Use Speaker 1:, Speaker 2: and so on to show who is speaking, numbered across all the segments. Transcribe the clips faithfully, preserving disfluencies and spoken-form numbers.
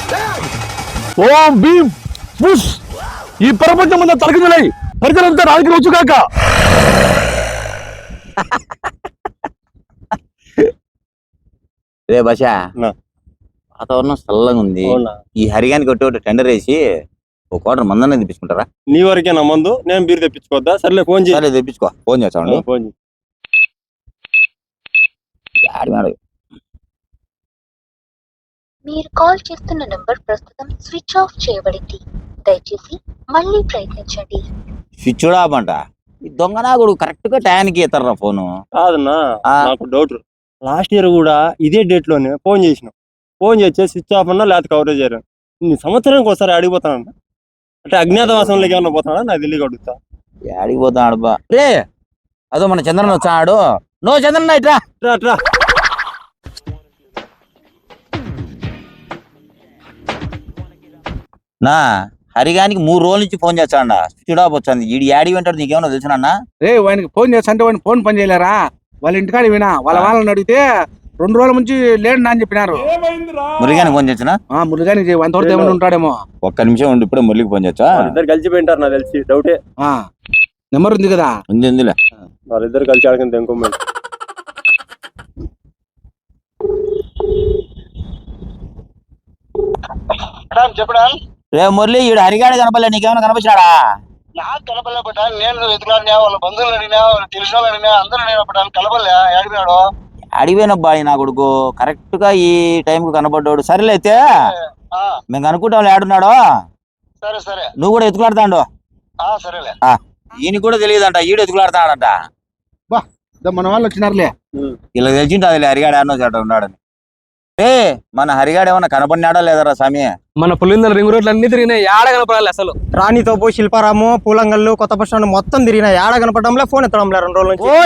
Speaker 1: ఓం Bheem push. ఈ ప్రపంచం ముందు తలకిందులై పరిచయంతో రాజకీయ వచ్చు కాక.
Speaker 2: రే భాష వాతావరణం చల్లగా ఉంది. ఈ హరిగానికి కొట్టి టెండర్ వేసి ఒక క్వార్టర్ మందన్న తెప్పించుకుంటారా?
Speaker 3: నీ వరకే నా మందు, నేను బీరు తెప్పించుకోవద్దా? సర్లే ఫోన్ చేయాలి.
Speaker 2: తెప్పించుకో, ఫోన్ చేస్తాను.
Speaker 3: ఫోన్
Speaker 4: మీరు కాల్ చేస్తున్న నంబర్ ప్రస్తుతం స్విచ్ ఆఫ్ చేయబడింది. దయచేసి మళ్ళీ ప్రయత్నించండి.
Speaker 2: స్విచ్ ఆఫ్ అంట. ఈ దొంగనాగుడు కరెక్ట్ గా టయానికి ఇస్తారా ఫోను?
Speaker 3: కాదన్నా, నాకు డౌట్. లాస్ట్ ఇయర్ కూడా ఇదే డేట్ లోనే ఫోన్ చేసిన. ఫోన్ చేస్తే స్విచ్ ఆఫ్ అన్నా లేకపోతే కవరేజ్ అయ్యారు. ఇన్ని సంవత్సరానికి ఒకసారి అడిగిపోతానంట. అంటే అజ్ఞాతవాసంలోకి ఏమన్నా పోతాడా? నాకు తెలియక అడుగుతా.
Speaker 2: అడిగిపోతాడు బా. రే అదో మన చంద్రన్ వచ్చాడు. నో చంద్రన్ ఇట్రా
Speaker 3: అట్రా.
Speaker 2: నా హరిగానికి మూడు రోజుల నుంచి ఫోన్ చేస్తాడ. స్విచ్ ఆఫ్ వచ్చింది. ఈ యాడి వెంటాడు నీకేమన్నా తెలుసునా?
Speaker 1: రే వానికి ఫోన్ చేస్తా అంటే వాడిని ఫోన్ పని చేయలేరా? వాళ్ళ ఇంటికాడ వినా వాళ్ళ వాళ్ళని అడిగితే రెండు రోజుల నుంచి లేడు అని చెప్పినారు.
Speaker 2: మురళిగానికి ఫోన్ చేసినా?
Speaker 1: మురళిగానికి అంతవరకు ఏమైనా ఉంటాడేమో.
Speaker 2: ఒక్క నిమిషం ఉండి ఇప్పుడే మురళికి ఫోన్ చేస్తా.
Speaker 3: వాళ్ళిద్దరు కలిసిపోయింటారు నాకు తెలిసి. డౌటే.
Speaker 1: నెంబర్ ఉంది కదా?
Speaker 2: ఉంది ఉందిలే.
Speaker 3: వాళ్ళిద్దరు కలిసి ఆడకంత ఇంకో
Speaker 5: చెప్పడా?
Speaker 2: రే మురళి, ఈడు హరిగాడు కనపలే, నీకేమైనా కనపచ్చినాడా?
Speaker 5: నాకు కనపడలే బట్ నేను వెతుకులాడినా, వాళ్ళ బంధువులు అడిగినా, వాళ్ళ తెలిసిన వాళ్ళు అడిగినా, అందరూ నేను కనపడలే. అడిగినాడు
Speaker 2: అడిగిపోయినబ్బా నా కొడుకు కరెక్ట్ గా ఈ టైం కు కనపడ్డాడు. సరేలే అయితే మేము అనుకుంటాం ఏడున్నాడు.
Speaker 5: సరే సరే,
Speaker 2: నువ్వు కూడా ఎత్తుకులాడతాడు.
Speaker 5: సరేలే.
Speaker 2: ఈయన కూడా తెలియదంట, ఈడు ఎత్తుకులాడతాడంట.
Speaker 1: మన వాళ్ళు వచ్చినారులే.
Speaker 2: ఇలా తెలిసింటే హరిగాడు ఆడనో చేట ఉన్నాడని. ఏ మన హరిగాడు ఏమన్నా కనపడినాడా లేదరా స్వామి?
Speaker 6: మన పులిందల రింగ్ రోడ్లు అన్ని తిరిగినాయి, ఏడ కనపడాలి అసలు.
Speaker 7: రాణితోపు, శిల్పారాము, పూలంగల్లు, కొత్త బస్ స్టాండ్ మొత్తం తిరిగినాయి. ఏడ కనపడంలే, ఫోన్ ఎత్తడంలే రెండు రోజుల నుంచి.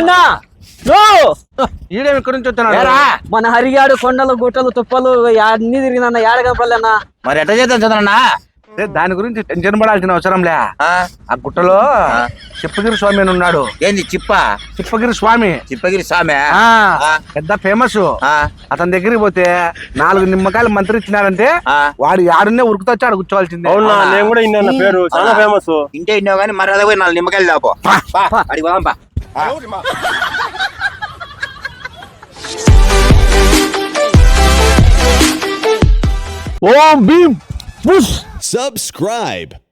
Speaker 1: ఇక్కడ నుంచి వచ్చాడు
Speaker 6: మన హరిగాడు కొండలు గుట్టలు తుప్పలు అన్ని తిరిగినా, ఏడ కనపడలేనా?
Speaker 2: మరి ఎట్లా చేద్దాం చంద్రన్నా?
Speaker 1: దాని గురించి టెన్షన్ పడాల్సిన అవసరంలే. ఆ గుట్టలో చిప్పగిరి స్వామి అని ఉన్నాడు.
Speaker 2: ఏంది చిప్ప?
Speaker 1: చిప్పగిరి స్వామి.
Speaker 2: చిప్పగిరి స్వామి
Speaker 1: పెద్ద ఫేమస్. అతని దగ్గరికి పోతే నాలుగు నిమ్మకాయలు మంత్రి ఇచ్చినారంటే వాడు యాడున్నే ఉరుకుతొచ్చి ఆడ కూర్చోవాల్సిందే.
Speaker 3: అవునా? నేను కూడా ఇన్నా పేరు, చాలా ఫేమస్.
Speaker 2: ఇంటే ఇన్నావు కానీ మరి అదే పోయి నాలుగు నిమ్మకాయలు దాపో. అడిగి పోదాంపా.
Speaker 1: ఓం భీమ్ పుష్.
Speaker 8: Subscribe.